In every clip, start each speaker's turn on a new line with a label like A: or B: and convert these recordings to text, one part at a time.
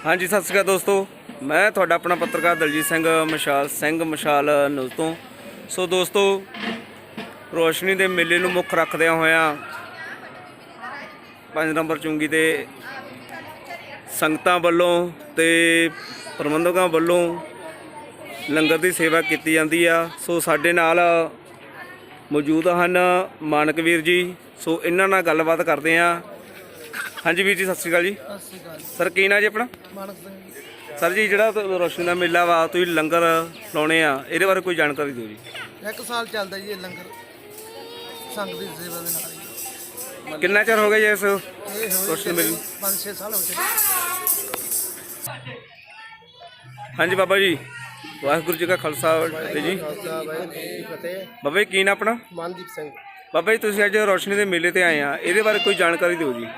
A: हाँ जी सत श्री अकाल दोस्तों, मैं थोड़ा अपना पत्रकार दलजीत सिंह मशाल न्यूज़ तो। सो दोस्तों, रोशनी के मेले में मुख रखद्या होया 5 नंबर चुंगी ते संगतां वालों ते प्रबंधकों वालों लंगर की सेवा की जाती है। सो साडे नाल मौजूद हैं मानकवीर जी। सो इन्हां नाल गलबात करते हैं। हाँ जी वीर जी, सत श्री अकाल जी। सर की ना जी अपना?
B: मानक सिंह।
A: सर जी, जो रोशनी का मेला वा तुसीं लंगर लाने आ, ये बारे कोई जानकारी दो जी।
B: 1 साल चलता जी ये लंगर संघ की सेवा के नाल ही।
A: कितना चिर हो गया जी इस
B: ਇਹ ਹੋਏ
A: रोशनी मेले?
B: 5-6 साल हो चुके।
A: हाँ जी बाबा जी, वाहिगुरू जी का खालसा जी। बाबा जी की ना अपना?
B: ਮਨਦੀਪ ਸਿੰਘ।
A: बाबा जी तुसीं अज रोशनी के मेले ते आए आ, ये बारे कोई जानकारी दो जी।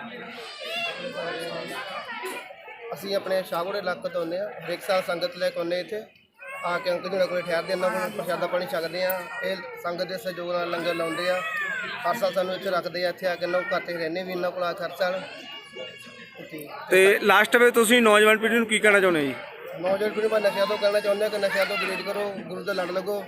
B: ਅਸੀਂ ਆਪਣੇ ਸ਼ਾਹਗੋੜੇ ਇਲਾਕੇ ਤੋਂ ਆਉਂਦੇ ਹਾਂ। ਹਰੇਕ ਸਾਲ ਸੰਗਤ ਲੈ ਕੇ ਆਉਂਦੇ ਇੱਥੇ ਆ ਕੇ ਅੰਕਲ ਜੀ ਨਾਲ ਕੋਲ ਠਹਿਰਦੇ, ਇਹਨਾਂ ਕੋਲ ਪ੍ਰਸ਼ਾਦਾ ਪਾਣੀ ਛਕਦੇ ਆ। ਇਹ ਸੰਗਤ ਦੇ ਸਹਿਯੋਗ ਨਾਲ ਲੰਗਰ ਲਾਉਂਦੇ ਆ। ਹਰ ਸਾਲ ਸਾਨੂੰ ਇੱਥੇ ਰੱਖਦੇ ਆ। ਇੱਥੇ ਆ ਕੇ ਇਹਨਾਂ ਕੋਲ ਘਰ ਤੇ ਰਹਿੰਦੇ ਵੀ ਇਹਨਾਂ ਕੋਲ ਆ ਹਰ ਸਾਲ।
A: ਤੇ ਲਾਸਟ ਵਿੱਚ ਤੁਸੀਂ ਨੌਜਵਾਨ ਪੀੜ੍ਹੀ ਨੂੰ ਕੀ ਕਹਿਣਾ ਚਾਹੁੰਦੇ ਜੀ?
B: ਨੌਜਵਾਨ ਪੀੜ੍ਹੀ ਨੂੰ ਨਸ਼ਿਆਂ ਤੋਂ ਕਹਿਣਾ ਚਾਹੁੰਦੇ ਆ ਕਿ ਨਸ਼ਿਆਂ ਤੋਂ ਗੁਰੇਜ਼ ਕਰੋ, ਗੁਰੂ ਦੇ ਲੜ ਲੱਗੋ।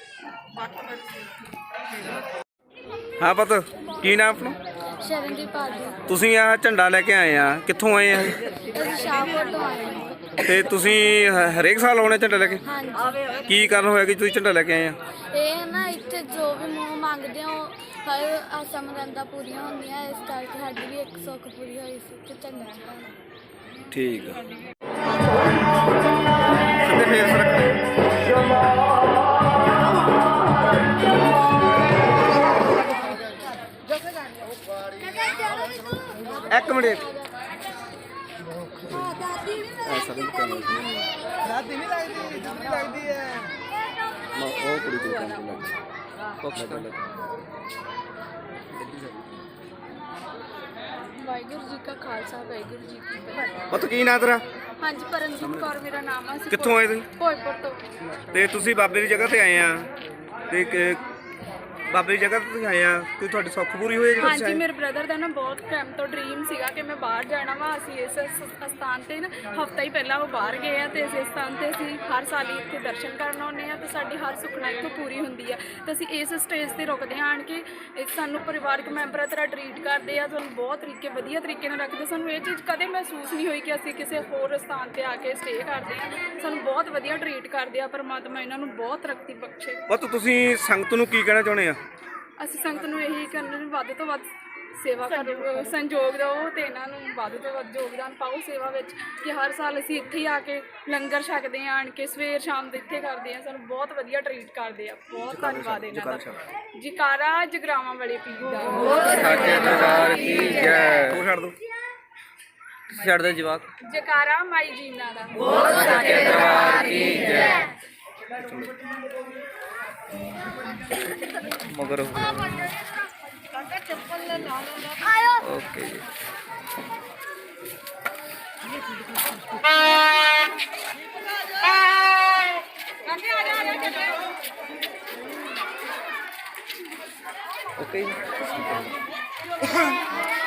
A: हाँ पत की नाम अपना?
C: शरणदीप आदि
A: ਤੁਸੀਂ ਆ ਝੰਡਾ ਲੈ ਕੇ ਆਏ ਆ, ਕਿੱਥੋਂ ਆਏ ਆ?
C: ਅਸੀਂ ਸ਼ਾਹਕੋਟ ਤੋਂ ਆਏ ਹਾਂ।
A: ਤੇ ਤੁਸੀਂ ਹਰੇਕ ਸਾਲ ਆਉਣੇ ਝੰਡਾ ਲੈ ਕੇ?
C: ਹਾਂਜੀ,
A: ਕੀ ਕਾਰਨ ਹੋਇਆ ਕਿ ਤੁਸੀਂ ਝੰਡਾ ਲੈ ਕੇ ਆਏ ਆ?
C: ਇਹ ਨਾ ਇੱਥੇ ਜੋ ਵੀ ਮੂੰਹ ਮੰਗਦੇ ਹੋ ਹਰ ਆਸਾਂ ਮੁਰਾਦਾਂ ਪੂਰੀਆਂ ਹੁੰਦੀਆਂ। ਇਸ ਕਰਕੇ ਸਾਡੀ ਵੀ ਇੱਕ ਸੁੱਖ ਪੂਰੀ ਹੋਈ ਸੀ ਤੇ ਚੰਗਾ ਚੜਾਉਣਾ।
A: ਠੀਕ ਆ। ਸਿੱਧੇ ਫੇਸ ਰੱਖੋ। ਇੱਕ ਮਿੰਟ ਐਸਾ ਨਹੀਂ ਕਰਨਾ ਜੀ।
B: ਦਾਦੀ ਨਹੀਂ ਲੱਗਦੀ, ਦਾਦੀ ਲੱਗਦੀ ਹੈ।
A: ਉਹ ਕੁੜੀ ਤੋਂ ਕੰਮ ਲੱਗ ਕੋਕਸ ਕਰ ਲੈ।
C: ਵਾਹਿਗੁਰੂ ਜੀ ਕਾ ਖਾਲਸਾ, ਵਾਹਿਗੁਰੂ ਜੀ ਕੀ ਫਤਿਹ।
A: ਪਤ ਕੀ ਨਾਂ ਤੇਰਾ?
C: ਹਾਂਜੀ, ਪਰਮਜੀਤ ਕੌਰ ਮੇਰਾ ਨਾਮ ਆ। ਅਸੀਂ
A: ਕਿੱਥੋਂ ਆਏ ਤੁਸੀਂ?
C: ਭੋਜਪੁਰ ਤੋਂ।
A: ਤੇ ਤੁਸੀਂ ਬਾਬੇ ਦੀ ਜਗ੍ਹਾ ਤੇ ਆਏ ਆ, ਤੇ ਬਾਬੇ ਦੀ ਜਗ੍ਹਾ ਤੇ ਤੁਸੀਂ ਆਏ ਆ, ਕੋਈ ਤੁਹਾਡੀ ਸੁੱਖ ਪੂਰੀ ਹੋਈ ਹੈ?
C: ਹਾਂਜੀ, ਮੇਰੇ ਬ੍ਰਦਰ ਦਾ ਨਾ ਬਹੁਤ ਟਾਈਮ ਤੋਂ ਡ੍ਰੀਮ ਸੀਗਾ ਕਿ ਮੈਂ ਬਾਹਰ ਜਾਣਾ ਵਾ। ਅਸੀਂ ਇਸ ਸਥਾਨ ਤੇ ਨਾ ਹਫ਼ਤਾ ਹੀ ਪਹਿਲਾਂ ਉਹ ਬਾਹਰ ਗਏ ਆ ਤੇ ਇਸ ਸਥਾਨ ਤੇ ਅਸੀਂ ਹਰ ਸਾਲ ਹੀ ਇੱਥੇ ਦਰਸ਼ਨ ਕਰਨ ਆਉਂਦੇ ਆ ਤੇ ਸਾਡੀ ਹਰ ਸੁਖਨਾ ਇੱਥੋਂ ਪੂਰੀ ਹੁੰਦੀ ਆ। ਤੇ ਅਸੀਂ ਇਸ ਸਟੇਜ ਤੇ ਰੁਕਦੇ ਆਣ ਕੇ ਸਾਨੂੰ ਪਰਿਵਾਰਕ ਮੈਂਬਰਾਂ ਤਰ੍ਹਾਂ ਟਰੀਟ ਕਰਦੇ ਆ, ਸਾਨੂੰ ਬਹੁਤ ਵਧੀਆ ਤਰੀਕੇ ਨਾਲ ਰੱਖਦੇ। ਸਾਨੂੰ ਇਹ ਚੀਜ਼ ਕਦੇ ਮਹਿਸੂਸ ਨਹੀਂ ਹੋਈ ਕਿ ਅਸੀਂ ਕਿਸੇ ਹੋਰ ਸਥਾਨ ਤੇ ਆ ਕੇ ਸਟੇ ਕਰਦੇ ਆ। ਸਾਨੂੰ ਬਹੁਤ ਵਧੀਆ ਟਰੀਟ ਕਰਦੇ ਆ। ਪਰਮਾਤਮਾ ਇਹਨਾਂ ਨੂੰ ਬਹੁਤ ਤਰੱਕੀ ਬਖਸ਼ੇ।
A: ਪਤ ਤੁਸੀਂ ਸੰਗਤ ਨੂੰ ਕੀ ਕਹਿਣਾ ਚਾਹੁੰਦੇ ਆ?
C: ਅਸੀਂ ਸੰਗਤ ਨੂੰ ਇਹੀ ਕਰਨਾ ਵੀ ਵੱਧ ਤੋਂ ਵੱਧ ਸੇਵਾ ਕਰੋ, ਸੰਯੋਗ ਦਿਓ ਤੇ ਇਹਨਾਂ ਨੂੰ ਵੱਧ ਤੋਂ ਵੱਧ ਯੋਗਦਾਨ ਪਾਓ ਸੇਵਾ ਵਿੱਚ। ਕਿ ਹਰ ਸਾਲ ਅਸੀਂ ਇੱਥੇ ਹੀ ਆ ਕੇ ਲੰਗਰ ਛਕਦੇ ਹਾਂ, ਆਣ ਕੇ ਸਵੇਰ ਸ਼ਾਮ ਦੇ ਇੱਥੇ ਕਰਦੇ ਹਾਂ। ਸਾਨੂੰ ਬਹੁਤ ਵਧੀਆ ਟਰੀਟ ਕਰਦੇ ਆ। ਬਹੁਤ ਧੰਨਵਾਦ ਇਹਨਾਂ ਦਾ। ਜਕਾਰਾ ਜਗਰਾਵਾਂ ਵਾਲੇ ਪੀਰ ਦਾ।
A: ਸੱਚੇ ਦਰਬਾਰ ਕੀ ਜੈ। ਉਹ ਛੱਡ ਦੋ, ਛੱਡ ਦੇ ਜਵਾਕ।
C: ਜਕਾਰਾ ਮਾਈ ਜੀਨਾ ਦਾ।
A: ਸੱਚੇ ਦਰਬਾਰ ਕੀ ਜੈ। ਮਗਰ ਓਕੇ ਜੀ। ਓਕੇ ਜੀ।